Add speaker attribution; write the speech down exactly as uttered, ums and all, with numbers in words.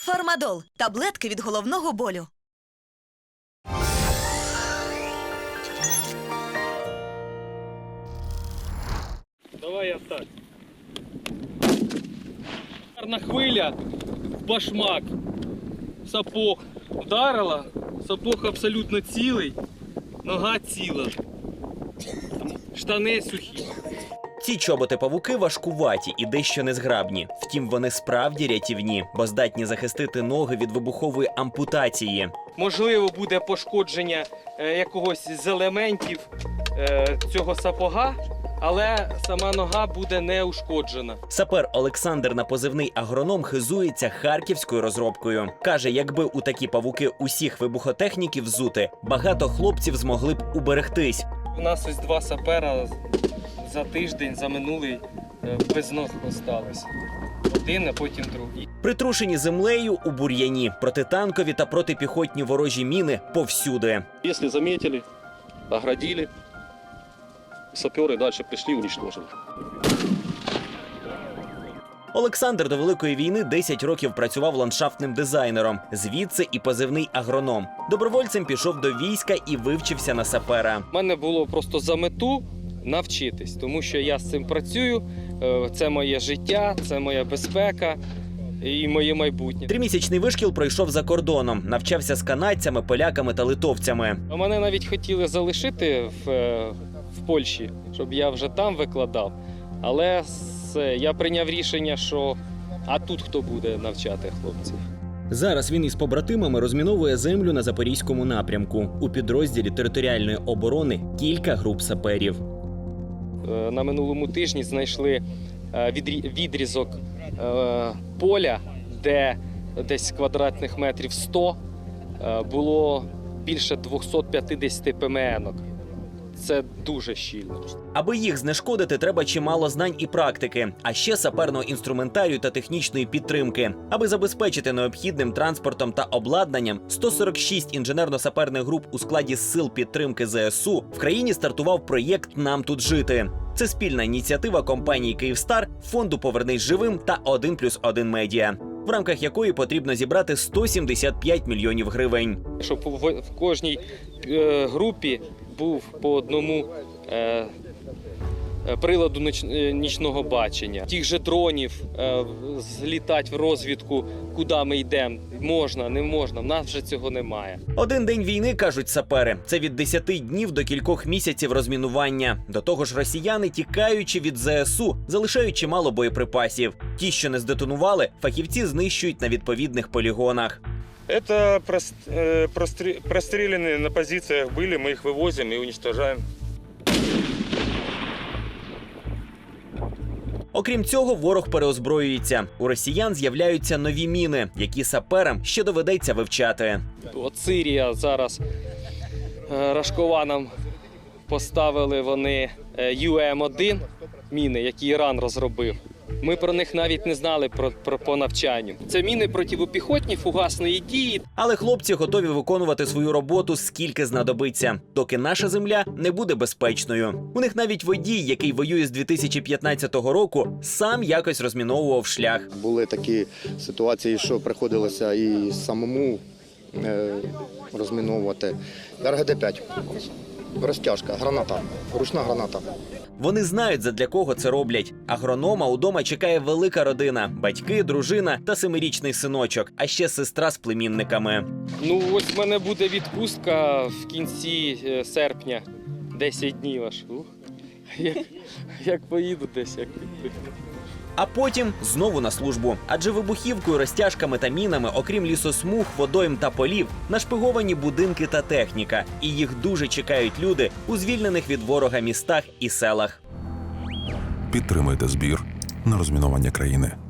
Speaker 1: Фармадол – таблетки від головного болю.
Speaker 2: Давай я так. Гарна хвиля, башмак, сапог вдарила, сапог абсолютно цілий, нога ціла, штани сухі.
Speaker 3: Ці чоботи-павуки важкуваті і дещо незграбні. Втім, вони справді рятівні, бо здатні захистити ноги від вибухової ампутації.
Speaker 2: Можливо, буде пошкодження е, якогось з елементів е, цього сапога, але сама нога буде не ушкоджена.
Speaker 3: Сапер Олександр на позивний агроном хизується харківською розробкою. Каже, якби у такі павуки усіх вибухотехніків взути, багато хлопців змогли б уберегтись.
Speaker 2: У нас ось два сапера за тиждень, за минулий, е, без ног осталось. Один, а потім другий.
Speaker 3: Притрушені землею у бур'яні, протитанкові та протипіхотні ворожі міни повсюди.
Speaker 4: Если заметили, оградили, саперы дальше пришли, уничтожили.
Speaker 3: Олександр до Великої війни десять років працював ландшафтним дизайнером. Звідси і позивний агроном. Добровольцем пішов до війська і вивчився на сапера.
Speaker 2: У мене було просто за мету навчитись, тому що я з цим працюю, е, це моє життя, це моя безпека і моє майбутнє.
Speaker 3: Тримісячний вишкіл пройшов за кордоном. Навчався з канадцями, поляками та литовцями.
Speaker 2: А мене навіть хотіли залишити в, е, в Польщі, щоб я вже там викладав. Але все, я прийняв рішення, що а тут хто буде навчати хлопців.
Speaker 3: Зараз він із побратимами розміновує землю на Запорізькому напрямку. У підрозділі територіальної оборони кілька груп саперів.
Speaker 2: Е, На минулому тижні знайшли е, відрі- відрізок е, поля, де десь квадратних метрів сто е, було більше двісті п'ятдесят ПМН-ок. Це дуже щільно.
Speaker 3: Аби їх знешкодити, треба чимало знань і практики, а ще саперного інструментарію та технічної підтримки. Аби забезпечити необхідним транспортом та обладнанням сто сорок шість інженерно-саперних груп у складі сил підтримки зе ес у, в країні стартував проєкт «Нам тут жити». Це спільна ініціатива компанії «Київстар», фонду «Повернись живим» та один плюс один медіа, в рамках якої потрібно зібрати сто сімдесят п'ять мільйонів гривень.
Speaker 2: Щоб в, в кожній е, групі був по одному е, приладу ніч, е, нічного бачення. Тих же дронів е, злітати в розвідку, куди ми йдемо, можна, не можна, в нас вже цього немає.
Speaker 3: Один день війни, кажуть сапери, це від десяти днів до кількох місяців розмінування. До того ж, росіяни, тікаючи від зе ес у, залишають чимало боєприпасів. Ті, що не здетонували, фахівці знищують на відповідних полігонах.
Speaker 5: Это простреленные на позициях были, мы их вывозим и уничтожаем.
Speaker 3: Окрім цього, ворог переозброюється. У росіян з'являються нові міни, які саперам ще доведеться вивчати.
Speaker 2: От Сирія зараз, е, Рашкова нам поставили вони ю ем один міни, які Іран розробив. Ми про них навіть не знали про, про, по навчанню. Це міни протипіхотні, фугасної дії.
Speaker 3: Але хлопці готові виконувати свою роботу скільки знадобиться, доки наша земля не буде безпечною. У них навіть водій, який воює з дві тисячі п'ятнадцятого року, сам якось розміновував шлях.
Speaker 6: Були такі ситуації, що приходилося і самому е, розміновувати. ер ге де п'ять. Розтяжка, граната, ручна граната.
Speaker 3: Вони знають, задля кого це роблять. Агронома удома чекає велика родина – батьки, дружина та семирічний синочок, а ще сестра з племінниками.
Speaker 2: Ну ось в мене буде відпустка в кінці е, серпня. десять днів аж. Ух. Як, як поїду десь, як відпустку.
Speaker 3: А потім знову на службу. Адже вибухівкою, розтяжками та мінами, окрім лісосмуг, водойм та полів, нашпиговані будинки та техніка. І їх дуже чекають люди у звільнених від ворога містах і селах.
Speaker 7: Підтримайте збір на розмінування країни.